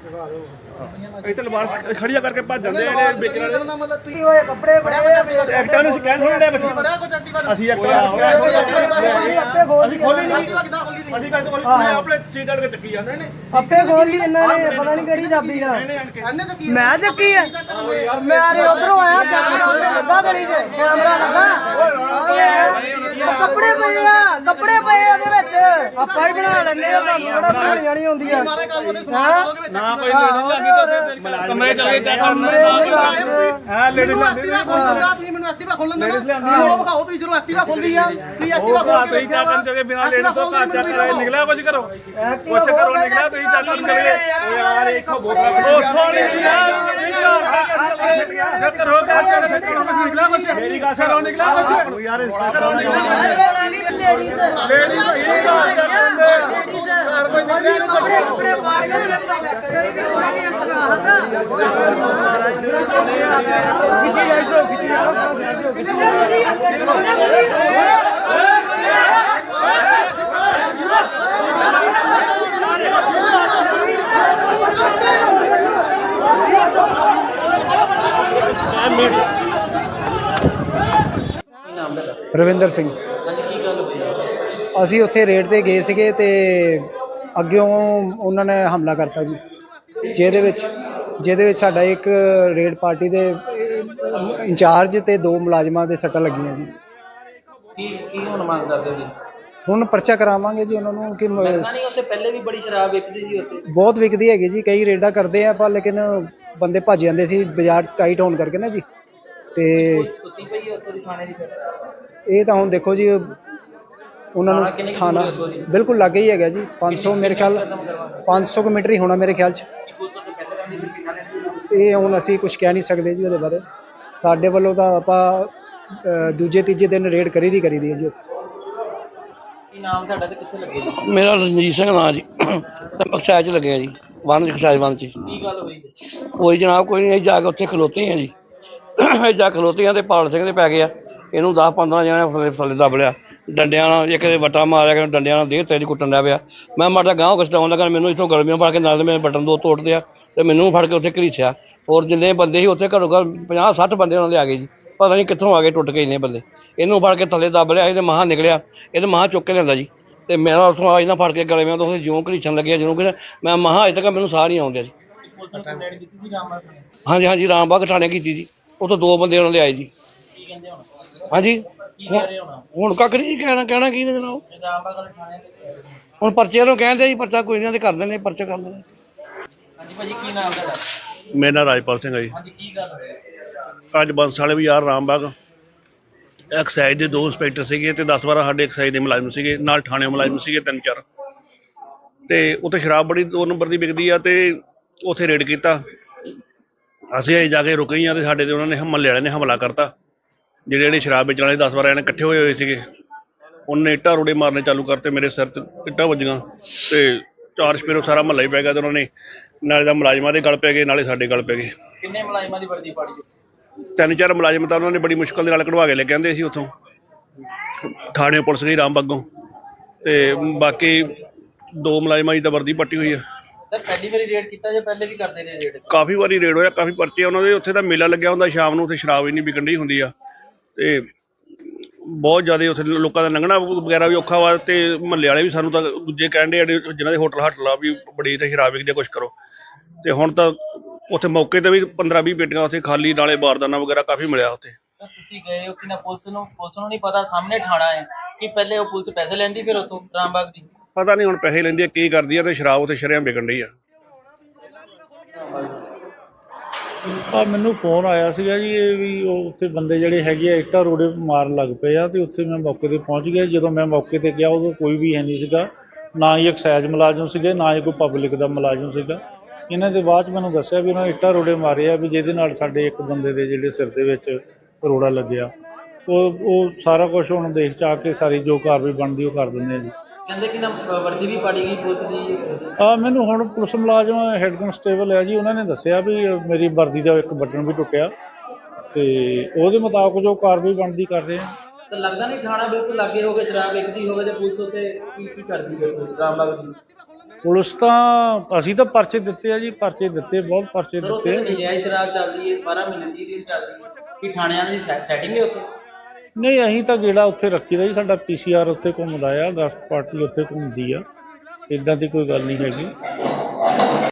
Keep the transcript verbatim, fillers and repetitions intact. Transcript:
ਇੱਥੇ ਲਵਾਰ ਖੜੀਆਂ ਕਰਕੇ ਭੱਜ ਜਾਂਦੇ ਆ ਜਿਹੜੇ ਵੇਚਣ ਵਾਲੇ ਕੀ ਹੋਏ ਕੱਪੜੇ ਬੜੇ ਐਕਟਾਂ ਨੂੰ ਸਕੈਨ ਹੋਣ ਡਿਆ ਬੱਚੀ ਅਸੀਂ ਐਕਟਾਂ ਨੂੰ ਸਕੈਨ ਹੋਣ ਡਿਆ ਆਪੇ ਖੋਲ ਲਈ ਖੋਲੀ ਨਹੀਂ ਅਸੀਂ ਕੱਲ ਤੋਂ ਆਪਣੇ ਸੀਟ ਵਾਲੇ ਚੱਕੀ ਜਾਂਦੇ ਨੇ ਆਪੇ ਖੋਲ ਲਈ ਇਹਨਾਂ ਨੇ ਪਤਾ ਨਹੀਂ ਕਿਹੜੀ ਚਾਬੀ ਨਾਲ ਮੈਂ ਚੱਕੀ ਆ ਮੈਂ ਆਰੇ ਉਧਰੋਂ ਆਇਆ ਕੈਮਰਾ ਲੱਗਾ ਗਲੀ 'ਚ ਕੈਮਰਾ ਲੱਗਾ ਕੱਪੜੇ ਪਏ ਆ ਕੱਪੜੇ ਪਏ ਉਹਦੇ ਵਿੱਚ ਆਪਾਂ ਹੀ ਬਣਾ ਲੈਣੇ ਆ ਤੁਹਾਨੂੰ ਕਿਹੜਾ ਬਣਾਉਣੀਆਂ ਨਹੀਂ ਹੁੰਦੀਆਂ ਨਾ ਕੋਈ ਕਮਰੇ ਚਲੇ ਚੈੱਕ ਕਰਨਾ ਹਾਂ ਲੇਡੀਜ਼ ਐਕਟਿਵਾ ਖੋਲਦਾ ਤੁਸੀਂ ਮੈਨੂੰ ਐਕਟਿਵਾ ਖੋਲਣ ਦੇਣਾ ਉਹ ਵਿਖਾਓ ਤੁਸੀਂ ਜਦੋਂ ਐਕਟਿਵਾ ਖੋਲਦੀ ਆ ਤੁਸੀਂ ਐਕਟਿਵਾ ਖੋਲ ਕੇ ਚੈੱਕ ਕਰਨ ਚੋਗੇ ਬਿਨਾਂ ਲੇਡੀਜ਼ ਤੋਂ ਘਰ ਚੈੱਕ ਕਰਾਏ ਨਿਕਲਿਆ ਕੁਝ ਕਰੋ ਕੁਝ ਕਰੋ ਨਿਕਲਿਆ ਤੁਸੀਂ ਚੈੱਕ ਕਰਨ ਚਲੇ ਯਾਰ ਇੱਕੋ ਬੋਤਲ ਉੱਥੋਂ ਨਿਕਲਿਆ ਕਰੋ ਘਰ ਚੈੱਕ ਕਰੋ ਨਿਕਲਿਆ ਕੁਝ ਮੇਰੀ ਗੱਲ ਕਰੋ ਨਿਕਲਿਆ ਕੁਝ ਯਾਰ ਇੰਸਪੈਕਟਰ ਨਿਕਲਿਆ ਲੇਡੀਜ਼ ਲੇਡੀਜ਼ ਇਹ ਘਰ ਚੈੱਕ ਕਰਦੇ ਘਰ ਕੋਈ ਨਿਕਲਿਆ ਕੱਪੜੇ ਕੱਪੜੇ ਪਾੜ ਕੇ ਕੋਈ ਵੀ ਕੋਈ ਵੀ ਐਕਸ਼ਨ ਆਹਦਾ ਰਵਿੰਦਰ ਸਿੰਘ ਅਸੀਂ ਉੱਥੇ ਰੇਡ ਤੇ ਗਏ ਸੀਗੇ ਤੇ ਅੱਗਿਓਂ ਉਹਨਾਂ ਨੇ ਹਮਲਾ ਕਰਤਾ ਜੀ ਜਿਹਦੇ ਵਿੱਚ ਜਿਹਦੇ ਵਿੱਚ ਸਾਡਾ ਇੱਕ ਰੇਡ ਪਾਰਟੀ ਦੇ ਇੰਚਾਰਜ ਤੇ ਦੋ ਮੁਲਾਜ਼ਮਾਂ ਦੇ ਸੱਟਾਂ ਲੱਗੀਆਂ ਜੀ। ਕੀ ਕੀ ਹੁਣ ਮੰਗ ਕਰਦੇ ਜੀ? ਹੁਣ ਪਰਚਾ ਕਰਾਵਾਂਗੇ ਜੀ ਉਹਨਾਂ ਨੂੰ ਕਿ ਨਹੀਂ ਉੱਥੇ ਪਹਿਲੇ ਵੀ ਬੜੀ ਸ਼ਰਾਬ ਵਿਕਦੀ ਸੀ ਉੱਥੇ ਬਹੁਤ ਵਿਕਦੀ ਹੈਗੀ ਜੀ, ਕਈ ਰੇਡਾਂ ਕਰਦੇ ਆ ਪਰ ਲੇਕਿਨ ਬੰਦੇ ਭੱਜ ਜਾਂਦੇ ਸੀ ਬਾਜ਼ਾਰ ਟਾਈਟ ਹੋਣ ਕਰਕੇ ਨਾ ਜੀ। ਤੇ ਸੁੱਤੀ ਪਈ ਉੱਥੇ ਦੀ ਥਾਣੇ ਦੀ ਇਹ ਤਾਂ ਹੁਣ ਦੇਖੋ ਜੀ ਉਹਨਾਂ ਨੂੰ ਥਾਣਾ ਬਿਲਕੁਲ ਲਾਗੇ ਹੀ ਹੈਗਾ ਜੀ, ਪੰਜ ਸੌ ਮੇਰੇ ਖਿਆਲ ਪੰਜ ਸੌ ਕੁ ਮੀਟਰ ਹੀ ਹੋਣਾ ਮੇਰੇ ਖਿਆਲ 'ਚ। ਇਹ ਹੁਣ ਅਸੀਂ ਕੁਝ ਕਹਿ ਨਹੀਂ ਸਕਦੇ ਜੀ ਉਹਦੇ ਬਾਰੇ। ਸਾਡੇ ਵੱਲੋਂ ਤਾਂ ਆਪਾਂ ਦੂਜੇ ਤੀਜੇ ਦਿਨ ਰੇਡ ਕਰੀ ਦੀ ਕਰੀ ਦੀ ਹੈ ਜੀ ਉੱਥੇ। ਕੀ ਨਾਮ ਤੁਹਾਡਾ ਤੇ ਕਿੱਥੇ ਲੱਗੇ ਜੀ? ਮੇਰਾ ਰਣਜੀਤ ਸਿੰਘ ਨਾਂ ਜੀ, ਐਕਸਾਈਜ਼ 'ਚ ਲੱਗਿਆ ਜੀ, ਵਨ ਐਕਸਾਈਜ਼ ਵਨ 'ਚ। ਕੀ ਗੱਲ ਹੋਈ? ਕੋਈ ਜਨਾਬ ਕੋਈ ਨਹੀਂ, ਅਸੀਂ ਜਾ ਕੇ ਉੱਥੇ ਖਲੋਤੇ ਹਾਂ ਜੀ। ਅਸੀਂ ਜਾ ਕੇ ਖਲੋਤੇ ਹਾਂ ਤੇ ਪਾਲ ਸਿੰਘ ਦੇ ਪੈ ਗਿਆ, ਇਹਨੂੰ ਦਸ ਪੰਦਰਾਂ ਜਣੇ ਥੱਲੇ ਥੱਲੇ ਦੱਬ ਲਿਆ ਡੰਡਿਆਂ ਨਾਲ, ਇੱਕ ਦੇ ਵੱਟਾ ਮਾਰਿਆ ਕਿ ਡੰਡਿਆਂ ਨਾਲ ਦੇਹ ਤੇਜ਼ ਕੁੱਟਣ ਲੱਗ ਪਿਆ। ਮੈਂ ਮਾੜਾ ਗਾਂਹ ਕਸਟਾਉਣ ਲੱਗਾ, ਮੈਨੂੰ ਇੱਥੋਂ ਗਲਮੀਆਂ ਫੜ ਕੇ ਨਾਲ ਮੇਰੇ ਬਟਨ ਦੋ ਤੋੜਦੇ ਆ ਤੇ ਮੈਨੂੰ ਫੜ ਕੇ ਉੱਥੇ ਘਰੀਸਿਆ। ਹੋਰ ਜਿੰਨੇ ਬੰਦੇ ਸੀ ਉੱਥੇ ਘੱਟੋ ਘੱਟ ਪੰਜਾਹ ਸੱਠ ਬੰਦੇ ਉਹਨਾਂ ਦੇ ਆ ਗਏ ਜੀ, ਪਤਾ ਨਹੀਂ ਕਿੱਥੋਂ ਆ ਗਏ ਟੁੱਟ ਕੇ ਇੰਨੇ ਬੰਦੇ। ਇਹਨੂੰ ਫੜ ਕੇ ਥੱਲੇ ਦੱਬ ਲਿਆ, ਇਹਦੇ ਮਹਾਂ ਨਿਕਲਿਆ, ਇਹਦੇ ਮਹਾਂ ਚੁੱਕ ਕੇ ਲਿਆਂਦਾ ਜੀ ਤੇ ਮੇਰਾ ਉੱਥੋਂ ਆ ਇਹਨਾਂ ਫੜ ਕੇ ਗਲੇ ਮੈਂ ਤੋਂ ਜਿਉਂ ਘਰੀਸਣ ਲੱਗਿਆ ਜਿਹਨੂੰ ਕਿ ਮੈਂ ਮਹਾਂ ਅਜੇ ਤੱਕ ਮੈਨੂੰ ਸਾਹ ਨਹੀਂ ਆਉਂਦਾ ਜੀ। ਹਾਂਜੀ ਹਾਂਜੀ ਰਾਮਬਾਗ ਥਾਣੇ ਕੀਤੀ ਜੀ, ਉੱਥੋਂ ਦੋ ਬੰਦੇ ਉਹਨਾਂ ਦੇ ਆਏ ਜੀ। ਹਾਂਜੀ ਹੁਣ ਕੱਖ ਨਹੀਂ ਜੀ, ਕਹਿਣਾ ਕਹਿਣਾ ਕੀ ਨੇ ਜਨਾਬ, ਹੁਣ ਪਰਚੇ ਨੂੰ ਕਹਿੰਦੇ ਜੀ ਪਰਚਾ ਕੋਈ ਨਹੀਂ ਕਰ ਦਿੰਦੇ, ਪਰਚਾ ਕਰ ਦਿੰਦੇ। ਹਾਂਜੀ ਭਾਜੀ ਕੀ ਨਾਮ ਤੁਹਾਡਾ? ਮੇਰਾ ਨਾਮ ਰਾਜਪਾਲ ਸਿੰਘ ਹੈ ਜੀ। ਹਾਂਜੀ ਕੀ ਗੱਲ ਹੋਈ? ਅੱਜ ਬੰਸ ਵਾਲੇ ਬਾਜ਼ਾਰ ਰਾਮਬਾਗ ਐਕਸਾਈਜ਼ ਦੇ ਦੋ ਇੰਸਪੈਕਟਰ ਸੀਗੇ ਤੇ ਦਸ ਬਾਰਾਂ ਸਾਡੇ ਐਕਸਾਈਜ਼ ਦੇ ਮੁਲਾਜ਼ਮ ਸੀਗੇ, ਨਾਲ ਥਾਣੇ ਮੁਲਾਜ਼ਮ ਸੀਗੇ ਤਿੰਨ ਚਾਰ, ਤੇ ਉੱਥੇ ਸ਼ਰਾਬ ਬੜੀ ਦੋ ਨੰਬਰ ਦੀ ਵਿਕਦੀ ਆ ਤੇ ਉੱਥੇ ਰੇਡ ਕੀਤਾ। ਅਸੀਂ ਅਜੇ ਜਾ ਕੇ ਰੁਕੇ ਹੀ ਆ ਤੇ ਸਾਡੇ ਤੇ ਉਹਨਾਂ ਨੇ ਮਹੱਲੇ ਵਾਲਿਆਂ ਨੇ ਹਮਲਾ ਕਰਤਾ। ਜਿਹੜੇ ਜਿਹੜੇ ਸ਼ਰਾਬ ਵੇਚਣ ਵਾਲੇ ਦਸ ਬਾਰਾਂ ਜਣੇ ਇਕੱਠੇ ਹੋਏ ਹੋਏ ਸੀਗੇ, ਉਹਨੇ ਇੱਟਾਂ ਰੋੜੇ ਮਾਰਨੇ ਚਾਲੂ ਕਰਤੇ, ਮੇਰੇ ਸਿਰ ਤੇ ਇੱਟਾਂ ਵੱਜੀਆਂ ਤੇ ਚਾਰ ਸਪੇਰੋ ਸਾਰਾ ਮਹੱਲਾ ਹੀ ਪੈ ਗਿਆ ਤੇ ਉਹਨਾਂ ਨੇ ਨਾਲੇ ਦਾ ਮੁਲਾਜ਼ਮਾਂ ਦੇ ਗਲ ਪੈ ਗਏ ਨਾਲੇ ਸਾਡੇ ਗਲ ਪੈ ਗਏ। ਕਿੰਨੇ ਮੁਲਾਜ਼ਮਾਂ ਦੀ ਵਰਦੀ ਪਾੜੀ? ਤਿੰਨ ਚਾਰ ਮੁਲਾਜ਼ਮ ਤਾਂ ਉਹਨਾਂ ਨੇ ਬੜੀ ਮੁਸ਼ਕਲ ਦੇ ਨਾਲ ਕਢਵਾ ਕੇ ਲੈ ਕੇ ਆਂਦੇ ਸੀ ਉੱਥੋਂ ਥਾਣੇ ਪੁਲਿਸ ਗਈ ਰਾਮਬਾਗੋਂ, ਤੇ ਬਾਕੀ ਦੋ ਮੁਲਾਜ਼ਮਾਂ ਦੀ ਤਾਂ ਵਰਦੀ ਪੱਟੀ ਹੋਈ ਆ। ਸਰ ਪਹਿਲੀ ਵਾਰੀ ਰੇਡ ਕੀਤਾ ਜਾਂ ਪਹਿਲੇ ਵੀ ਕਰਦੇ ਰਹੇ ਰੇਡ? ਕਾਫੀ ਵਾਰੀ ਰੇਡ ਹੋਇਆ, ਕਾਫੀ ਪਰਚੇ ਉਹਨਾਂ ਦੇ। ਉੱਥੇ ਤਾਂ ਮੇਲਾ ਲੱਗਿਆ ਹੁੰਦਾ ਸ਼ਾਮ ਨੂੰ, ਉੱਥੇ ਸ਼ਰਾਬ ਇੰਨੀ ਵਿਕਣ ਡਈ ਹੁੰਦੀ ਆ ਤੇ ਬਹੁਤ ਜ਼ਿਆਦਾ ਉੱਥੇ ਲੋਕਾਂ ਦਾ ਲੰਘਣਾ ਵਗੈਰਾ ਵੀ ਔਖਾ ਵਾ। ਤੇ ਮਹੱਲੇ ਵਾਲੇ ਵੀ ਸਾਨੂੰ ਤਾਂ ਦੂਜੇ ਕਹਿਣ ਡੇ ਜਿਹਨਾਂ ਦੇ ਹੋਟਲ ਹਾਟਲ ਆ ਵੀ ਬੜੀ ਇੱਥੇ ਸ਼ਰਾਬ ਵਿਕਦੀ, ਕੁਛ ਕਰੋ। ਤੇ ਹੁਣ ਤਾਂ ਉੱਥੇ ਮੌਕੇ ਤੇ ਵੀ ਪੰਦਰਾਂ ਵੀਹ ਪੇਟੀਆਂ ਉੱਥੇ ਖਾਲੀ, ਨਾਲੇ ਬਾਰਦਾਨਾ ਵਗੈਰਾ ਕਾਫੀ ਮਿਲਿਆ ਉੱਥੇ। ਸਰ ਤੁਸੀਂ ਗਏ ਹੋ ਕਿ ਨਾ ਪੁਲਿਸ ਨੂੰ? ਪੁਲਿਸ ਨੂੰ ਨਹੀਂ ਪਤਾ ਸਾਹਮਣੇ ਥਾਣਾ ਹੈ ਕਿ ਪਹਿਲੇ ਉਹ ਪੁਲਿਸ ਪੈਸੇ ਲੈਂਦੀ ਫਿਰ ਉੱਥੋਂ ਰਾਮਬਾਗ ਦੀ? ਪਤਾ ਨਹੀਂ ਹੁਣ ਪੈਸੇ ਲੈਂਦੀ ਆ ਕੀ ਕਰਦੀ ਆ, ਤੇ ਸ਼ਰਾਬ ਉੱਥੇ ਸ਼ਰੇਆਮ ਵਿਕਣ ਡਈ ਆ। ਆ ਮੈਨੂੰ ਫੋਨ ਆਇਆ ਸੀਗਾ ਜੀ ਇਹ ਵੀ ਉਹ ਉੱਥੇ ਬੰਦੇ ਜਿਹੜੇ ਹੈਗੇ ਆ ਇੱਟਾਂ ਰੋੜੇ ਮਾਰਨ ਲੱਗ ਪਏ ਆ, ਤੇ ਉੱਥੇ ਮੈਂ ਮੌਕੇ 'ਤੇ ਪਹੁੰਚ ਗਿਆ। ਜਦੋਂ ਮੈਂ ਮੌਕੇ 'ਤੇ ਗਿਆ ਉਦੋਂ ਕੋਈ ਵੀ ਹੈ ਨਹੀਂ ਸੀਗਾ, ਨਾ ਹੀ ਐਕਸਾਈਜ਼ ਮੁਲਾਜ਼ਮ ਸੀਗੇ, ਨਾ ਹੀ ਕੋਈ ਪਬਲਿਕ ਦਾ ਮੁਲਾਜ਼ਮ ਸੀਗਾ। ਇਹਨਾਂ ਦੇ ਬਾਅਦ 'ਚ ਮੈਨੂੰ ਦੱਸਿਆ ਵੀ ਉਹਨਾਂ ਨੇ ਇੱਟਾਂ ਰੋੜੇ ਮਾਰੇ ਆ, ਵੀ ਜਿਹਦੇ ਨਾਲ ਸਾਡੇ ਇੱਕ ਬੰਦੇ ਦੇ ਜਿਹੜੇ ਸਿਰ ਦੇ ਵਿੱਚ ਰੋੜਾ ਲੱਗਿਆ। ਉਹ ਉਹ ਸਾਰਾ ਕੁਛ ਹੁਣ ਦੇਖ 'ਚ ਆ ਕੇ ਸਾਰੀ ਜੋ ਕਾਰਵਾਈ ਬਣਦੀ ਉਹ ਕਰ ਦਿੰਦੇ ਆ ਜੀ। ਕਹਿੰਦੇ ਕਿ ਨਾ ਵਰਦੀ ਵੀ ਪਾੜੀ ਗਈ ਪੁਲਿਸ ਦੀ? ਆ ਮੈਨੂੰ ਹੁਣ ਪੁਲਿਸ ਮੁਲਾਜ਼ਮ ਹੈਡ ਕਨਸਟੇਬਲ ਹੈ ਜੀ, ਉਹਨਾਂ ਨੇ ਦੱਸਿਆ ਵੀ ਮੇਰੀ ਵਰਦੀ ਦਾ ਇੱਕ ਬਟਨ ਵੀ ਟੁੱਟਿਆ, ਤੇ ਉਹਦੇ ਮੁਤਾਬਕ ਜੋ ਕਾਰਵਾਈ ਬਣਦੀ ਕਰ ਰਹੇ ਆ। ਤਾਂ ਲੱਗਦਾ ਨਹੀਂ ਥਾਣਾ ਬਿਲਕੁਲ ਲਾਗੇ ਹੋ ਗਏ, ਸ਼ਰਾਬ ਵੇਚਦੀ ਹੋਵੇ ਤੇ ਪੁਲਿਸ ਉੱਤੇ ਕੀ ਕੀ ਕਰਦੀ ਹੈ ਰਾਮਬਾਗ ਦੀ? ਪੁਲਿਸ ਤਾਂ ਅਸੀਂ ਤਾਂ ਪਰਚੇ ਦਿੱਤੇ ਆ ਜੀ, ਪਰਚੇ ਦਿੱਤੇ, ਬਹੁਤ ਪਰਚੇ ਸਰ ਉੱਥੇ ਦਿੱਤੇ ਤਾਂ ਆ। ਨਜਾਇਜ਼ ਸ਼ਰਾਬ ਚੱਲਦੀ ਹੈ, ਬਾਰਾਂ ਮਹੀਨੇ ਤੀਹ ਦਿਨ ਚੱਲਦੀ ਹੈ, ਕੀ ਥਾਣਿਆਂ ਦੀ ਸੈਟਿੰਗ ਹੈ ਉੱਥੇ? ਨਹੀਂ, ਅਸੀਂ ਤਾਂ ਗੇੜਾ ਉੱਥੇ ਰੱਖੀਦਾ ਜੀ, ਸਾਡਾ ਪੀ ਸੀ ਆਰ ਉੱਥੇ ਘੁੰਮਦਾ ਆ, ਗਸ਼ਤ ਪਾਰਟੀ ਉੱਥੇ ਘੁੰਮਦੀ ਆ, ਇੱਦਾਂ ਦੀ ਕੋਈ ਗੱਲ ਨਹੀਂ ਹੈਗੀ।